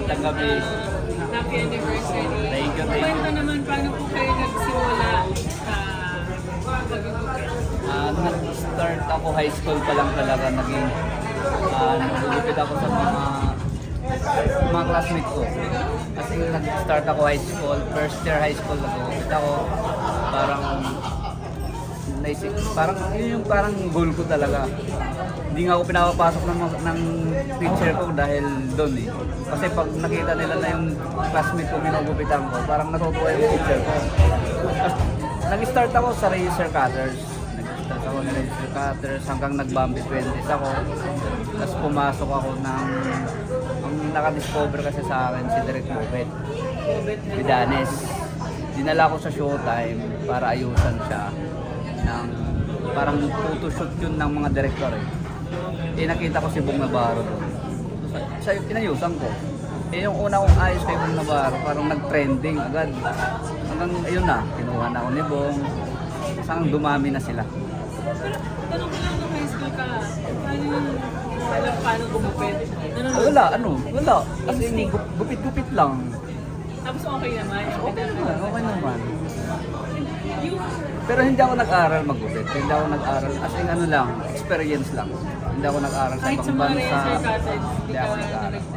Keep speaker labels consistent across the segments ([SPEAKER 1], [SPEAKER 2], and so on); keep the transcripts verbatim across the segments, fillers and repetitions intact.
[SPEAKER 1] magandang gabi.
[SPEAKER 2] Happy anniversary.
[SPEAKER 1] Thank you, thank you.
[SPEAKER 2] Kwento naman paano po kayo nagsimula sa pagugupit?
[SPEAKER 1] Ah, nag-start ako high school pa lang talaga naging uh, nagugupit ako sa mga mga classmates ko. Kasi nag-start ako high school, first year high school nagugupit ako. Parang naisip, parang yun yung parang goal ko talaga. Hindi nga ako pinapapasok ng, ng teacher ko dahil doon eh. Kasi pag nakita nila na yung classmate ko ginugupitan ko, parang natutuwa yung teacher ko. Tapos, nag-start ako sa razor cutters. Nag-start ako ng razor cutters hanggang nag-Bambi twenties ako. Tapos pumasok ako ng, ang nakadiscover kasi sa akin si Direk Mubet. Vidanes. Dinala ko sa Showtime para ayusan siya ng parang photoshoot yun ng mga director eh. Eh nakita ko si Bong Navarro doon. Sa inayusan ko. Eh yung una kong ayos kay Bong Navarro, parang nag-trending agad. Hanggang ayun na, kinuha na ako ni Bong. Hanggang dumami na sila.
[SPEAKER 2] Pero tanong ko lang nung high school ka, paano yung paano, paano gumupit?
[SPEAKER 1] Ah, wala, ano, wala. As in, gup- gupit-gupit lang.
[SPEAKER 2] Tapos okay naman.
[SPEAKER 1] Okay naman, okay naman.
[SPEAKER 2] Yung
[SPEAKER 1] Pero hindi ako nag-aral maggupit. Hindi ako nag-aral. As in, ano lang, experience lang. Hindi ako nag-aral sa
[SPEAKER 2] kahit sa
[SPEAKER 1] ibang
[SPEAKER 2] mga
[SPEAKER 1] bansa.
[SPEAKER 2] razor cutters, hindi
[SPEAKER 1] Hindi
[SPEAKER 2] ka
[SPEAKER 1] ako nag-aral.
[SPEAKER 2] nag-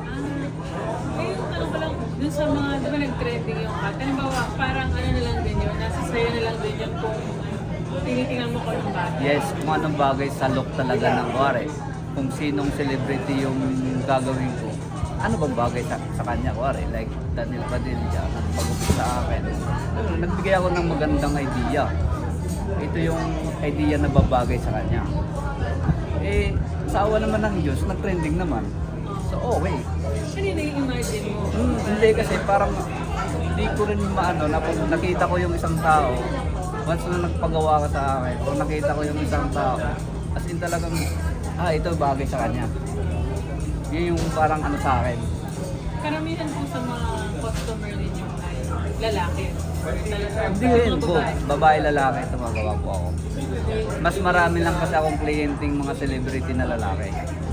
[SPEAKER 2] Ah, eh, yung tanong ko lang, dun sa mga, di ba nag-trending yung cut? Halimbawa, parang ano na lang din yun, nasa sayo na lang din yun kung tinitingnan mo ko ng bata.
[SPEAKER 1] Yes, kung anong bagay sa look talaga ng kuwari. Kung sinong celebrity yung gagawin ko. Ano bang bagay sa, sa kanya, kuwari? Like Daniel Padilla, nagpagupit sa akin. Ano, nagbigay ako ng magandang idea. Ito yung idea na babagay sa kanya. Eh, sa awa naman ng Diyos, nag-trending naman. So, okay.
[SPEAKER 2] Kanina yung imagine mo.
[SPEAKER 1] Hmm, hindi kasi parang hindi ko rin maano na pag nakita ko yung isang tao, once na nagpagawa ka sa akin, o nakita ko yung isang tao, as in talagang, ah, ito bagay sa kanya. Yun yung parang ano sa akin.
[SPEAKER 2] Karamihan po sa mga customer ninyo ay lalaki. Or talaga-
[SPEAKER 1] Hindi rin
[SPEAKER 2] mga
[SPEAKER 1] po,
[SPEAKER 2] babae.
[SPEAKER 1] babae lalaki, tumagawa po ako. Mas marami lang kasi akong klienting mga celebrity na lalaki.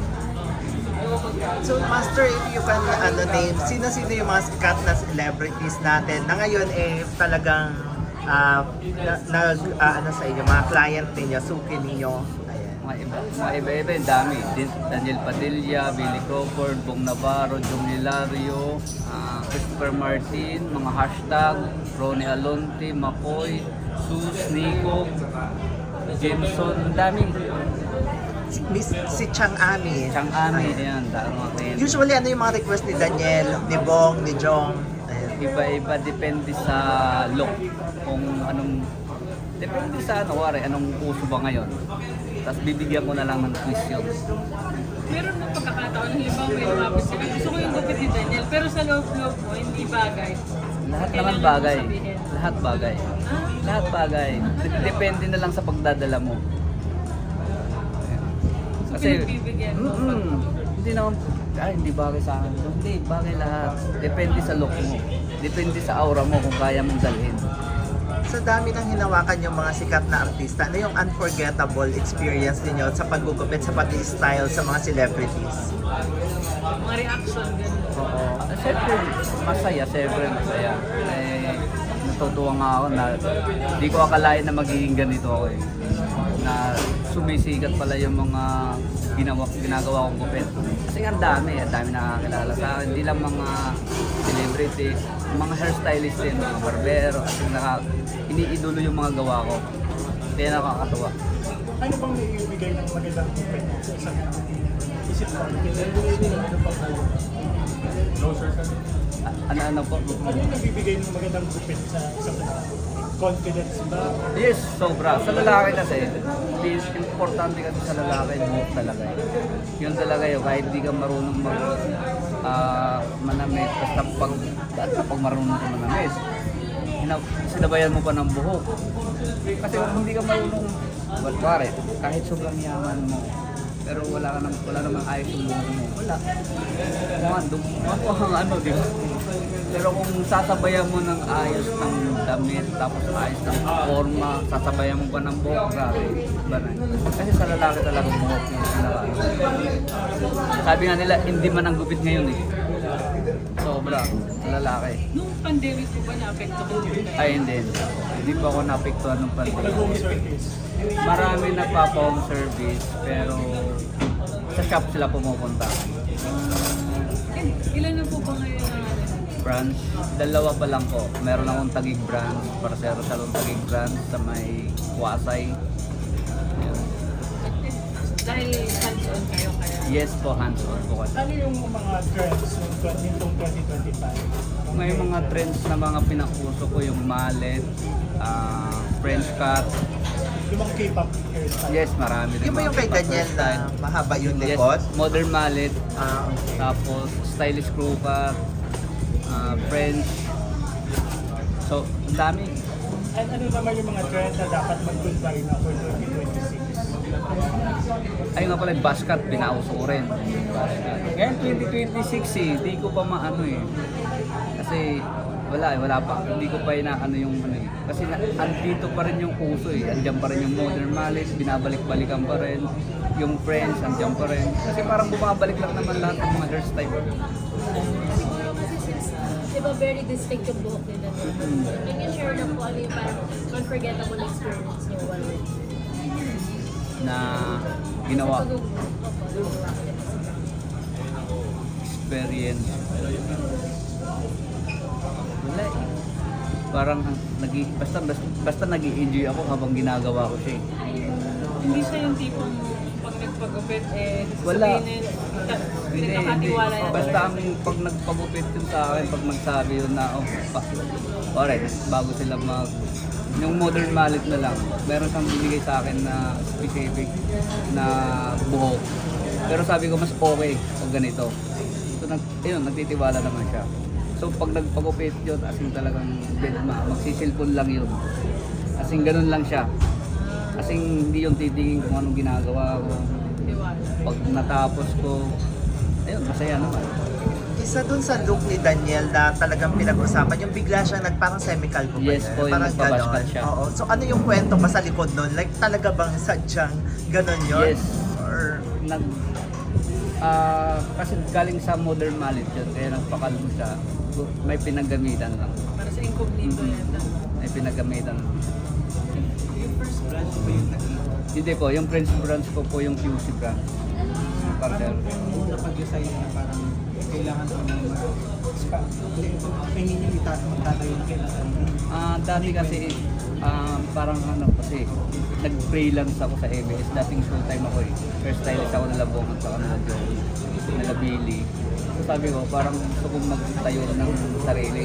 [SPEAKER 3] So, Master, if you can ano, name, sino-sino yung mga sikat na celebrities natin na ngayon eh talagang ah, na, nag, ah, ano sa inyo, mga client ninyo, suki ninyo. Ayan.
[SPEAKER 1] Mga iba, mga iba-iba, yung dami. Din- Daniel Padilla, Billy Crawford, Bong Navarro, Jong Hilario, ah, Christopher Martin, mga hashtag, Ronnie Alonte, Makoy, Sus, Nico, Jameson, ang dami.
[SPEAKER 3] Si, Miss, si Chang Ami.
[SPEAKER 1] Chang Ami, yan, dami mga kliyente.
[SPEAKER 3] Usually, ano yung mga request ni Daniel, ni Bong, ni Jong? Ayan.
[SPEAKER 1] Iba-iba, depende sa look. Kung anong, depende sa ano, wari, anong uso ba ngayon. Tapos bibigyan ko na lang ng quiz yun.
[SPEAKER 2] Meron ng pagkakataon, halimbawa may lumapit sila. Gusto ko yung gupit ni Daniel, pero sa loob-loob mo, hindi bagay.
[SPEAKER 1] Lahat naman
[SPEAKER 2] Kailangan
[SPEAKER 1] bagay.
[SPEAKER 2] mo sabihin.
[SPEAKER 1] Lahat bagay.
[SPEAKER 2] Ah,
[SPEAKER 1] Lahat bagay. Dep- Depende na lang sa pagdadala mo.
[SPEAKER 2] so pinagbibigyan mo.
[SPEAKER 1] mm, hindi naman, ay hindi bagay sa akin. Hindi, bagay lahat. Depende sa look mo. Depende sa aura mo kung kaya mong dalhin.
[SPEAKER 3] Sa dami ng hinawakan yung mga sikat na artista, ano yung unforgettable experience ninyo sa paggugupit, sa pag-style sa mga celebrities?
[SPEAKER 2] Mga reaction, gano'n.
[SPEAKER 1] Oo. Uh, siyempre, masaya. Siyempre, masaya. Eh, natutuwa nga ako na hindi ko akalain na magiging ganito ako eh. Na sumisikat pala yung mga ginawa, ginagawa kong gupit. Kasi ang dami, ang dami nakakilala sa akin. Hindi lang mga celebrities, mga hairstylist din, mga barbero. Kasi naka, iniidolo yung mga gawa ko. Kaya nakakatuwa.
[SPEAKER 4] Ano bang naibigay ng magandang kupit sa isang isip mo? Ano pang closer ka?
[SPEAKER 1] A- Ano-ano po?
[SPEAKER 4] Ano yung nabibigay ng magandang kupit sa isang confidence ba?
[SPEAKER 1] Yes, sobra. Sa lalaki kasi, is importante kasi sa lalaki, buhok talaga eh. Yun talaga yun, kahit di ka marunong mag, ah, manamit, basta pag, basta pag marunong ka manamit, hina- sinabayan mo pa ng buhok. Kasi kung hindi ka marunong, well, pare, kahit sobrang yaman mo, pero wala ka nang wala namang ayos yung buhok mo. Wala. Kumandong, ang ano, di ba? Pero kung sasabayan mo ng ayos ng damit, tapos ayos ng forma, sasabayan mo pa ng buhok, grabe. Iba na. Kasi sa lalaki talaga buhok yung pinaka. Sabi nga nila, hindi man ang gupit ngayon eh. So, sobra, lalaki.
[SPEAKER 2] Nung pandemic po ba na-apekto ko din kayo?
[SPEAKER 1] Ay, hindi. Hindi pa ako napiktuhan ng pandemic.
[SPEAKER 4] Nag-home service.
[SPEAKER 1] Marami nagpapa-home service, pero sa shop sila pumupunta.
[SPEAKER 2] Eh, ilan na po ba ngayon ang ano?
[SPEAKER 1] Branch, dalawa pa lang po. Meron akong Taguig branch, para sa Salon Taguig branch sa may Wasay. Yun.
[SPEAKER 2] Dahil hands-on kayo kaya?
[SPEAKER 1] Yes po, hands-on po kasi.
[SPEAKER 4] Ano yung mga trends ng nitong twenty twenty-five?
[SPEAKER 1] May mga trends na mga pinakuso ko, yung mallet, ah, French cut.
[SPEAKER 4] Yung mga K-pop hairstyle.
[SPEAKER 1] Yes, marami rin.
[SPEAKER 3] Yung ba yung
[SPEAKER 1] mga
[SPEAKER 3] kay Daniel na
[SPEAKER 1] style.
[SPEAKER 3] mahaba yung
[SPEAKER 1] Yes,
[SPEAKER 3] likod?
[SPEAKER 1] modern mallet,
[SPEAKER 3] Ah, okay.
[SPEAKER 1] tapos stylish crew cut, ah, French. So, ang dami.
[SPEAKER 4] At ano naman yung mga trend na dapat mag-goodbye na for twenty twenty-six?
[SPEAKER 1] Ayun nga pala, yung buzz cut, binauso ko rin. Buzz cut. Ngayon, twenty twenty-six eh, di ko pa maano eh. Kasi, wala eh, wala pa. Hindi ko pa inaano yung ano eh. Kasi na, andito pa rin yung uso eh. Andiyan pa rin yung modern mallet, binabalik-balikan pa rin. Yung French, andiyan pa rin. Kasi parang bumabalik lang naman lahat ng mga hairstyle.
[SPEAKER 5] Siguro kasi since, di ba, very distinct yung buhok nila.
[SPEAKER 1] Mm.
[SPEAKER 5] Can you share na po ano yung parang unforgettable experience niyo while working?
[SPEAKER 1] Na ginawa.
[SPEAKER 5] Sa pag-uwi. Opo, ginawa ko din.
[SPEAKER 1] Experience. Wala eh. Parang nag basta, basta, basta nag-i-enjoy ako habang ginagawa ko siya eh.
[SPEAKER 2] Hindi siya yung tipong pag nagpagupit eh,
[SPEAKER 1] Wala.
[SPEAKER 2] sasabihin na,
[SPEAKER 1] Hindi, hindi.
[SPEAKER 2] nagkakatiwala yan.
[SPEAKER 1] Basta ang pag nagpagupit yun sa akin, pag nagsabi yun na, oh, pa, alright, bago sila mag, yung modern mallet na lang, meron siyang bibigay sa akin na specific na buhok. Pero sabi ko, mas okay pag ganito. So, nag, yun, nagtitiwala naman siya. So, pag nagpagupit yun, as in talagang bedma, magsisilpon lang yun. As in, ganun lang siya. As in, hindi yung titingin kung anong ginagawa ko.
[SPEAKER 2] Tiwala.
[SPEAKER 1] Pag natapos ko, ayun, masaya naman.
[SPEAKER 3] Isa dun sa look ni Daniel na talagang pinag-usapan, yung bigla siyang nagparang semical ko ba
[SPEAKER 1] Yes
[SPEAKER 3] yun?
[SPEAKER 1] po, yung
[SPEAKER 3] Parang
[SPEAKER 1] nagpabashkat
[SPEAKER 3] ganon.
[SPEAKER 1] siya.
[SPEAKER 3] Oo. So ano yung kwento ba sa likod nun? Like talaga bang sadyang ganon yun?
[SPEAKER 1] Yes.
[SPEAKER 3] Or
[SPEAKER 1] Nag, ah, kasi galing sa modern mallet yun, kaya nagpakalmo siya. May pinagamitan lang.
[SPEAKER 2] Para sa incognito
[SPEAKER 1] Mhm.
[SPEAKER 2] yan.
[SPEAKER 1] May pinagamitan.
[SPEAKER 2] Yung first branch ba yung
[SPEAKER 1] Hindi po, yung French branch ko po yung Q C branch. Partner.
[SPEAKER 4] Kung napag-design na parang kailangan mo naman hindi niyo itaas magtatayo na kailangan.
[SPEAKER 1] Ah, dati kasi ah, parang ano kasi nag-freelance ako sa A B S. Dating full time ako eh. First stylist ako nila Bong at saka nila Joe, nila Billy. So sabi ko, parang gusto kong magtayo ng sarili.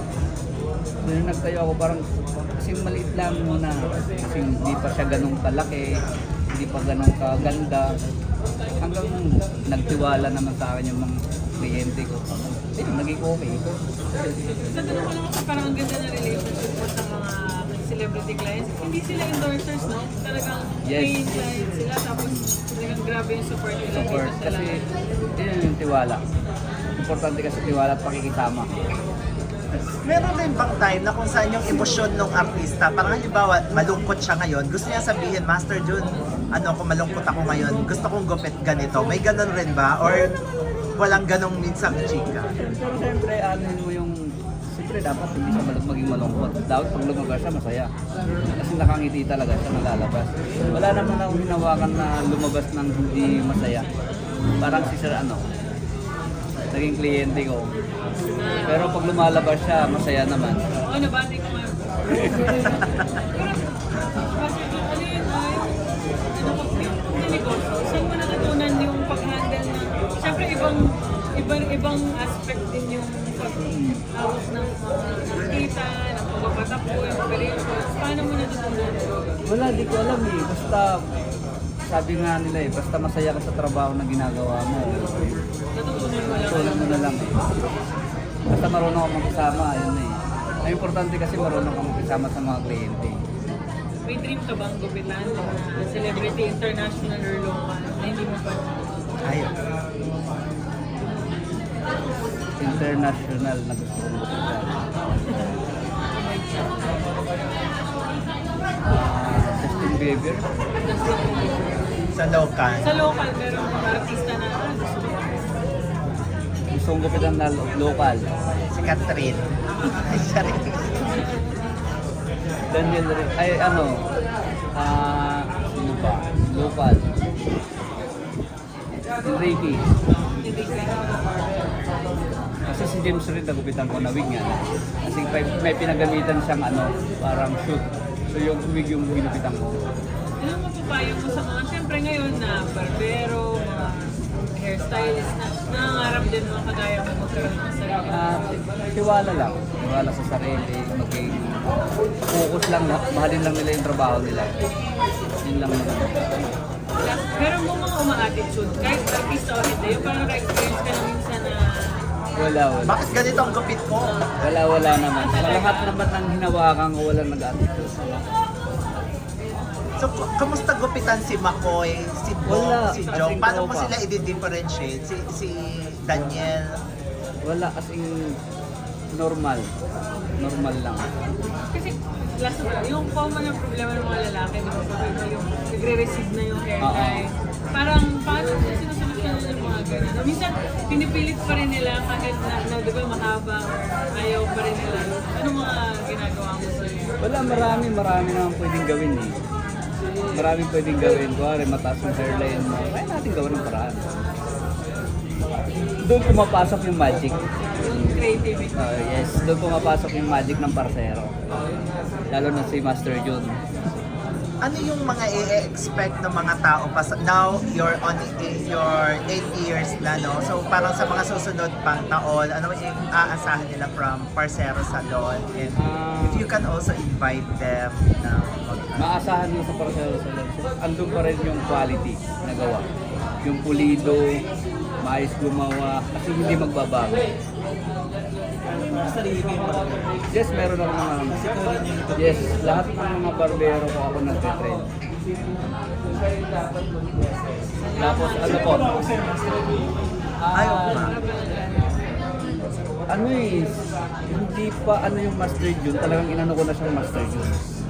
[SPEAKER 1] So nung nagtayo ako, parang kasi maliit lang muna. Kasi hindi pa siya ganun kalaki, hindi pa ganun kaganda. Hanggang nagtiwala naman sa akin yung mga kliyente ko. Eh, naging okay.
[SPEAKER 2] Sa tanong ko lang kasi parang ang ganda na relationship mo sa mga celebrity clients. Hindi sila endorsers, no? Talagang
[SPEAKER 1] Yes.
[SPEAKER 2] paying clients sila. Tapos talagang grabe yung support nila
[SPEAKER 1] Support.
[SPEAKER 2] dito sa
[SPEAKER 1] Kasi
[SPEAKER 2] lahat.
[SPEAKER 1] yun yung tiwala. Importante kasi tiwala at pakikisama.
[SPEAKER 3] meron din bang time na kung saan yung emosyon ng artista, parang halimbawa malungkot siya ngayon, gusto niya sabihin, Master Jun, ano ako malungkot ako ngayon, gusto kong gupit ganito. May ganun rin ba? Or walang ganong minsang chika?
[SPEAKER 1] Pero siyempre, ano mo yung... Siyempre dapat hindi siya mal- maging malungkot. Dapat pag lumabas siya, masaya. Kasi nakangiti talaga siya nalalabas. Wala naman akong hinawakan na lumabas ng hindi masaya. Parang si Sir ano, naging kliyente ko. Pero pag lumalabas siya, masaya naman.
[SPEAKER 2] Oo, nabati ko nga. Pero, bakit ano yun, ay, ano ko, yung negosyo, saan mo natutunan yung pag-handle ng, syempre ibang, ibang, ibang aspect din yung pag-hawak ng mga kita, ng pagpapatapo, yung operations. Paano mo natutunan?
[SPEAKER 1] Wala, di ko alam eh. Basta, sabi nga nila eh, basta masaya ka sa trabaho na ginagawa mo.
[SPEAKER 2] Natutunan mo lang.
[SPEAKER 1] Tulad mo na lang eh. Basta marunong ako magkasama, yun eh. Ang importante kasi marunong ako magkasama sa mga kliyente.
[SPEAKER 2] May dream ka bang gupitan ng uh, celebrity, international or local na hindi mo pa?
[SPEAKER 3] Ay,
[SPEAKER 1] International na gusto kong gupitan. Ah, Justin Bieber.
[SPEAKER 3] sa local.
[SPEAKER 2] Sa local, pero mga artista na ah, gusto mo.
[SPEAKER 1] gusto kong gupitan na lo- local.
[SPEAKER 3] Si Catherine. Siya rin.
[SPEAKER 1] Daniel rin. Ay, ano, ah, sino ba? Local. Ricky. Kasi si James rin nagupitan ko na wig nga. Kasi may, may pinagamitan siyang ano, parang shoot. So yung wig yung ginupitan ko.
[SPEAKER 2] Ano mapapayo mo sa mga, siyempre ngayon na barbero, mga hairstylist na nangangarap din mga kagaya mo magkaroon ng sarili.
[SPEAKER 1] Ah, tiwala lang. Tiwala sa sarili, maging focus lang, mahalin lang nila yung trabaho nila. Yun lang naman.
[SPEAKER 2] Pero mo mga uma-attitude, kahit artista o hindi, yung parang naka-experience ka na minsan na
[SPEAKER 1] Wala, wala.
[SPEAKER 3] Bakit ganito ang gupit ko?
[SPEAKER 1] Wala, wala naman. Sa lahat naman ng hinawakan ko, walang nag-attitude.
[SPEAKER 3] So, k- kamusta gupitan si McCoy, si
[SPEAKER 1] Wala.
[SPEAKER 3] Bong, si Jong?
[SPEAKER 1] Kasing
[SPEAKER 3] Paano mo
[SPEAKER 1] tropa.
[SPEAKER 3] sila i-differentiate? Si, si Daniel?
[SPEAKER 1] Wala, as in, normal. Normal lang.
[SPEAKER 2] kasi last of all, yung common na problema ng mga lalaki, di ba? Pag yung nagre-receive na yung hair
[SPEAKER 1] Oo.
[SPEAKER 2] dye, parang paano mo sinusolusyon yung mga ganun? Minsan, pinipilit pa rin nila kahit na, na di ba, mahaba or ayaw pa rin nila. Ano mga ginagawa mo sa iyo?
[SPEAKER 1] Wala, marami, marami naman pwedeng gawin eh. Maraming pwedeng gawin. Kuwari, mataas yung hairline mo. Kaya natin gawin ng paraan. Doon pumapasok yung magic.
[SPEAKER 2] Yung creativity.
[SPEAKER 1] Uh, yes, doon pumapasok yung magic ng parsero. Lalo na si Master Jun.
[SPEAKER 3] Ano yung mga i-expect ng mga tao pa sa, now you're on i- your eight years na, no? So parang sa mga susunod pang taon, ano yung aasahan nila from Parcero Salon? And
[SPEAKER 1] Ah.
[SPEAKER 3] if you can also invite them na mag-
[SPEAKER 1] Maasahan mo sa parsero sa loob. Andun pa rin yung quality na gawa. Yung pulido, maayos gumawa, kasi hindi magbabago. Yes, meron ako mga ano. Yes, lahat ng mga barbero ko ako nagtitrain. Tapos ano po?
[SPEAKER 3] Ayaw
[SPEAKER 1] Ah,
[SPEAKER 3] pa.
[SPEAKER 1] ano eh, hindi pa ano yung Master Jun, talagang inano ko na siyang Master Jun.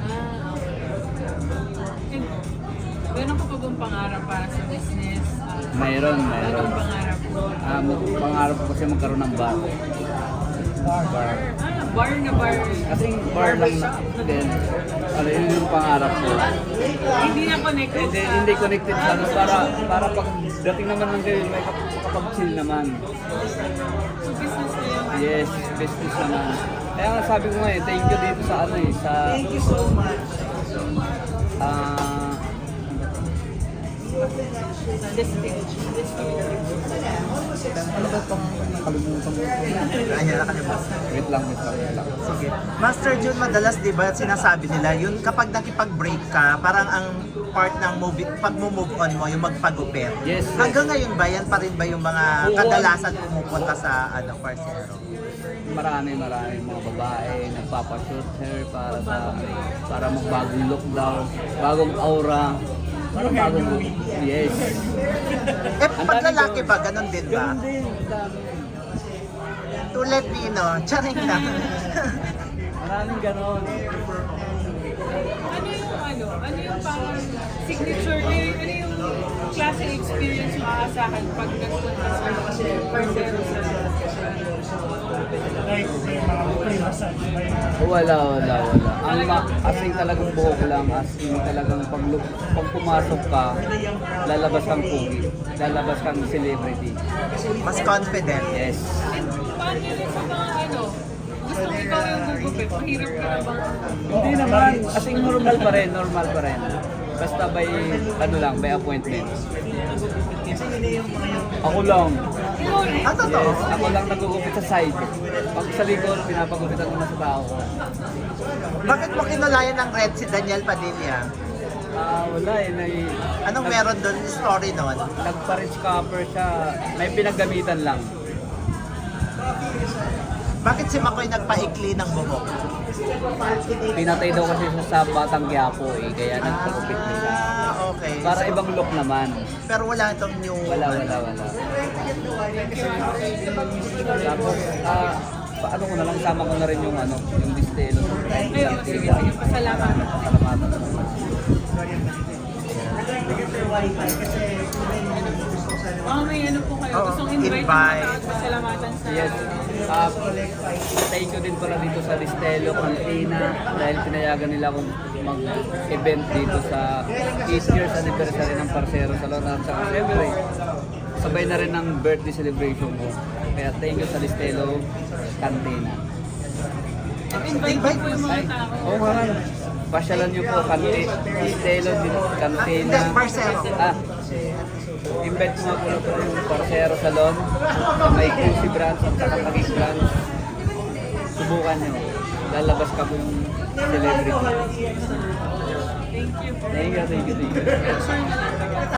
[SPEAKER 2] And, meron ka pa bang pangarap para sa business? Ah,
[SPEAKER 1] Mayroon, mayroon.
[SPEAKER 2] Anong pangarap mo?
[SPEAKER 1] Ah, mag- pangarap ko kasi magkaroon ng bar. Bar.
[SPEAKER 2] Ah, bar na bar.
[SPEAKER 1] Kasi bar lang na din. Ano yun yung pangarap ko.
[SPEAKER 2] Hindi na connected
[SPEAKER 1] Hindi,
[SPEAKER 2] sa...
[SPEAKER 1] hindi connected sa ano, para para pag dating naman ng ganyan, may kap- kapag-chill naman.
[SPEAKER 2] So, business na yun.
[SPEAKER 1] Yes, business naman. Kaya nga sabi ko nga eh, thank you dito sa ano eh, sa... Thank you so much. Ah...
[SPEAKER 2] Destination.
[SPEAKER 1] ano ba pang nakalimutan ko?
[SPEAKER 3] Ayan, nakalimutan.
[SPEAKER 1] Wait lang, wait lang, wait lang.
[SPEAKER 3] Sige. Master Jun, madalas 'di ba sinasabi nila, yun kapag nakipag-break ka, parang ang part ng movie, pag move on mo, yung magpagupit.
[SPEAKER 1] Yes, yes.
[SPEAKER 3] Hanggang ngayon ba yan pa rin ba yung mga
[SPEAKER 1] Oo.
[SPEAKER 3] kadalasan pumupunta sa ano, Parcero?
[SPEAKER 1] Marami, marami mga babae nagpapashoot hair para sa para magbagong look daw, bagong aura, para bagong look. Yes.
[SPEAKER 3] Eh,
[SPEAKER 1] Ang
[SPEAKER 3] pag
[SPEAKER 1] dami
[SPEAKER 3] lalaki
[SPEAKER 1] ko-
[SPEAKER 3] ba, ganun din ba?
[SPEAKER 1] Ganun din, ang dami.
[SPEAKER 3] Tulad Nino, charing lang.
[SPEAKER 1] Maraming ganon.
[SPEAKER 2] Ano yung ano? Ano yung parang signature? Ano yung, ano yung klase experience yung aasahan pag nagpunta sa Parcero sa
[SPEAKER 4] Like, may mga free massage, may
[SPEAKER 1] Wala, wala, wala. Ang ma- asing talagang buhok lang, asing talagang pag, pag pumasok ka, lalabas kang pugi, lalabas kang celebrity.
[SPEAKER 3] Mas confident.
[SPEAKER 1] Yes.
[SPEAKER 2] And paano yun sa mga ano? Gusto mo ikaw yung gugupit? Mahirap ka na bang?
[SPEAKER 1] Hindi naman, asing normal pa rin, normal pa rin. Basta by, ano lang, by appointment. Ako lang.
[SPEAKER 2] Ikaw rin?
[SPEAKER 3] Ah, totoo?
[SPEAKER 1] Yes, ako lang nagugupit sa side. Pag sa likod, pinapagupitan ko na sa tao ko.
[SPEAKER 3] Bakit mo kinulayan ng red si Daniel Padilla?
[SPEAKER 1] Ah, wala eh. Nag,
[SPEAKER 3] Anong
[SPEAKER 1] nag-
[SPEAKER 3] meron doon story nun?
[SPEAKER 1] Nagpa-rich copper siya. May pinaggamitan lang.
[SPEAKER 3] Bakit si Makoy nagpaikli ng buhok?
[SPEAKER 1] Pinatay daw kasi siya sa Batang Quiapo eh. Kaya nagpagupit na siya.
[SPEAKER 3] Ah, okay.
[SPEAKER 1] Para ibang look naman.
[SPEAKER 3] Pero wala itong new...
[SPEAKER 1] Wala, wala, wala. Tapos, ah, paano ko na lang, sama ko na rin yung ano, yung distelo.
[SPEAKER 2] Ayun, sige, sige. Pasalamat.
[SPEAKER 1] Salamatan.
[SPEAKER 2] Baka may ano po kayo.
[SPEAKER 3] Oo,
[SPEAKER 2] Gustong invite, ng
[SPEAKER 3] invite.
[SPEAKER 2] mga tao at pasalamatan sa...
[SPEAKER 1] Yes. Uh, thank you din pala dito sa Ristelo Cantina dahil pinayagan nila akong mag-event dito sa eight years anniversary ng Parcero Salon at saka syempre sabay na rin ng birthday celebration ko. Kaya thank you sa Ristelo Cantina.
[SPEAKER 2] Invite niyo po yung mga tao.
[SPEAKER 1] Oo nga nga. Pasyalan niyo po, kanti, Ristelo Cantina.
[SPEAKER 3] Hindi, Parcero.
[SPEAKER 1] Ah, invite mo po po yung Parcero Salon, may Q C branch at saka Taguig branch. Subukan nyo. Lalabas ka po yung celebrity.
[SPEAKER 2] Thank you.
[SPEAKER 1] Thank you, thank you, thank you.
[SPEAKER 2] Picture na lang.